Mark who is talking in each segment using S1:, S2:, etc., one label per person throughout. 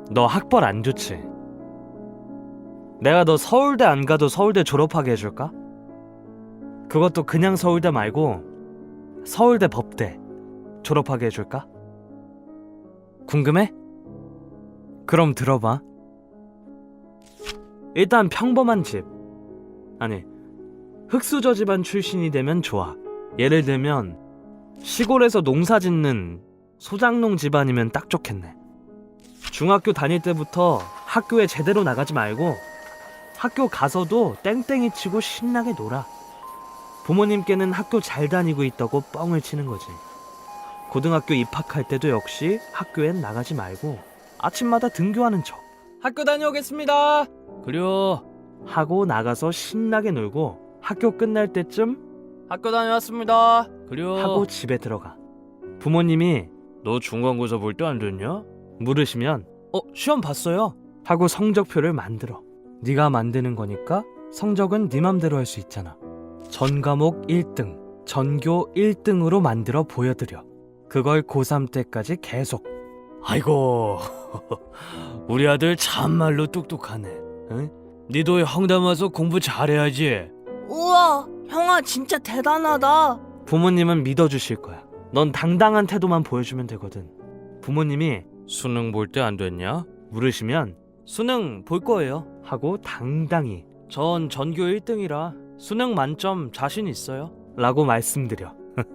S1: 너 학벌 안 좋지? 내가 너 서울대 안 가도 서울대 졸업하게 해줄까? 그것도 그냥 서울대 말고 서울대 법대 졸업하게 해줄까? 궁금해? 그럼 들어봐. 일단 평범한 집, 아니 흙수저 집안 출신이 되면 좋아. 예를 들면 시골에서 농사 짓는 소장농 집안이면 딱 좋겠네. 중학교 다닐 때부터 학교에 제대로 나가지 말고 학교 가서도 땡땡이 치고 신나게 놀아. 부모님께는 학교 잘 다니고 있다고 뻥을 치는 거지. 고등학교 입학할 때도 역시 학교엔 나가지 말고 아침마다 등교하는 척. 학교 다녀오겠습니다. 그려. 하고 나가서 신나게 놀고 학교 끝날 때쯤 학교 다녀왔습니다. 그려. 하고 집에 들어가. 부모님이 너 중간고사 볼 때 안 됐냐? 물으시면 시험 봤어요. 하고 성적표를 만들어. 네가 만드는 거니까 성적은 네 맘대로 할 수 있잖아. 전 과목 1등, 전교 1등으로 만들어 보여드려. 그걸 고3 때까지 계속. 아이고 우리 아들 참말로 똑똑하네. 응? 니도 형담 와서 공부 잘해야지.
S2: 우와, 형아 진짜 대단하다.
S1: 부모님은 믿어주실 거야. 넌 당당한 태도만 보여주면 되거든. 부모님이 수능 볼 때 안 됐냐? 물으시면 수능 볼 거예요 하고 당당히 전 전교 1등이라 수능 만점 자신 있어요 라고 말씀드려.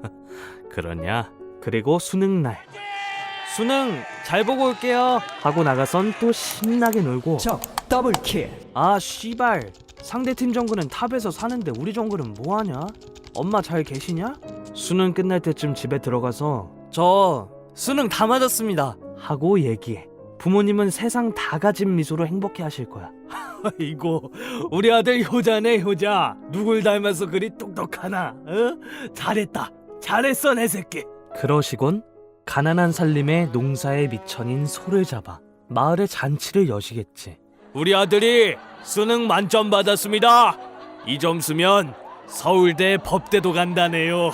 S1: 그러냐? 그리고 수능날 수능 잘 보고 올게요 하고 나가선 또 신나게 놀고.
S3: 적 더블킬.
S1: 아 씨발, 상대팀 정글은 탑에서 사는데 우리 정글은 뭐하냐? 엄마 잘 계시냐? 수능 끝날 때쯤 집에 들어가서 저 수능 다 맞았습니다 하고 얘기해. 부모님은 세상 다 가진 미소로 행복해 하실 거야. 이거 우리 아들 효자네 효자. 누굴 닮아서 그리 똑똑하나? 잘했다 잘했어 내 새끼. 그러시곤 가난한 살림에 농사에 미천인 소를 잡아 마을에 잔치를 여시겠지. 우리 아들이 수능 만점 받았습니다. 이 점수면 서울대 법대도 간다네요.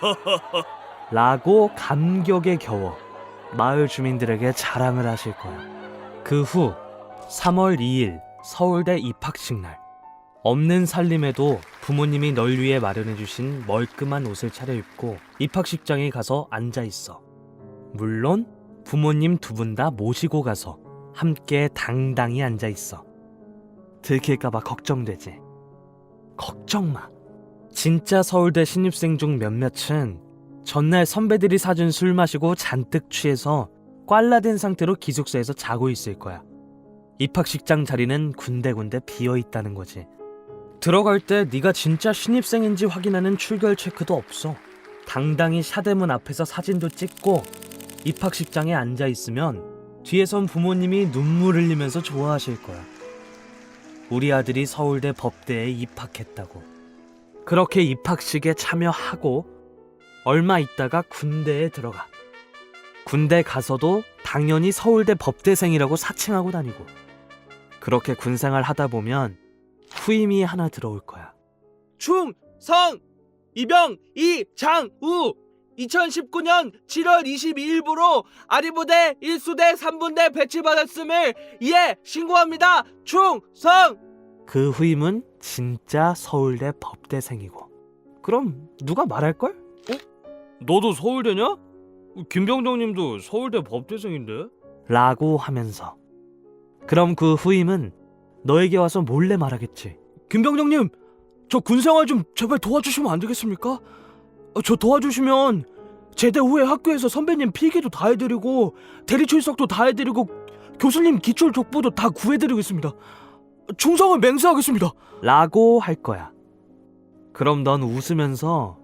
S1: 라고 감격에 겨워 마을 주민들에게 자랑을 하실 거야. 그 후 3월 2일 서울대 입학식 날. 없는 살림에도 부모님이 널 위해 마련해주신 멀끔한 옷을 차려입고 입학식장에 가서 앉아있어. 물론 부모님 두 분 다 모시고 가서 함께 당당히 앉아있어. 들킬까봐 걱정되지. 걱정 마. 진짜 서울대 신입생 중 몇몇은 전날 선배들이 사준 술 마시고 잔뜩 취해서 꽐라된 상태로 기숙사에서 자고 있을 거야. 입학식장 자리는 군데군데 비어있다는 거지. 들어갈 때 네가 진짜 신입생인지 확인하는 출결 체크도 없어. 당당히 샤대문 앞에서 사진도 찍고 입학식장에 앉아있으면 뒤에선 부모님이 눈물 흘리면서 좋아하실 거야. 우리 아들이 서울대 법대에 입학했다고. 그렇게 입학식에 참여하고 얼마 있다가 군대에 들어가. 군대 가서도 당연히 서울대 법대생이라고 사칭하고 다니고. 그렇게 군생활 하다 보면 후임이 하나 들어올 거야. 충성 이병 이장우 2019년 7월 22일부로 아리부대 1수대 3분대 배치받았음을 신고합니다. 충성! 그 후임은 진짜 서울대 법대생이고. 그럼 누가 말할걸? 너도 서울대냐? 김병정님도 서울대 법대생인데? 라고 하면서. 그럼 그 후임은 너에게 와서 몰래 말하겠지. 김병정님, 저 군생활 좀 제발 도와주시면 안 되겠습니까? 저 도와주시면 제대 후에 학교에서 선배님 필기도 다 해드리고 대리 출석도 다 해드리고 교수님 기출 족보도 다 구해드리겠습니다. 충성을 맹세하겠습니다. 라고 할 거야. 그럼 넌 웃으면서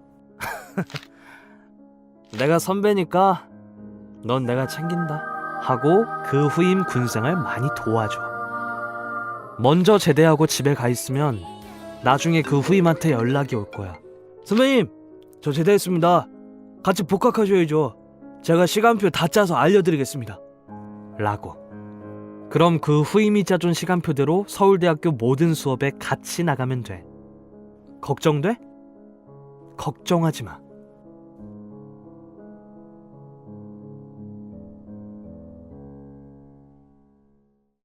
S1: 내가 선배니까 넌 내가 챙긴다 하고 그 후임 군생활 많이 도와줘. 먼저 제대하고 집에 가 있으면 나중에 그 후임한테 연락이 올 거야. 선배님, 저 제대했습니다. 같이 복학하셔야죠. 제가 시간표 다 짜서 알려드리겠습니다. 라고. 그럼 그 후임이 짜준 시간표대로 서울대학교 모든 수업에 같이 나가면 돼. 걱정돼? 걱정하지 마.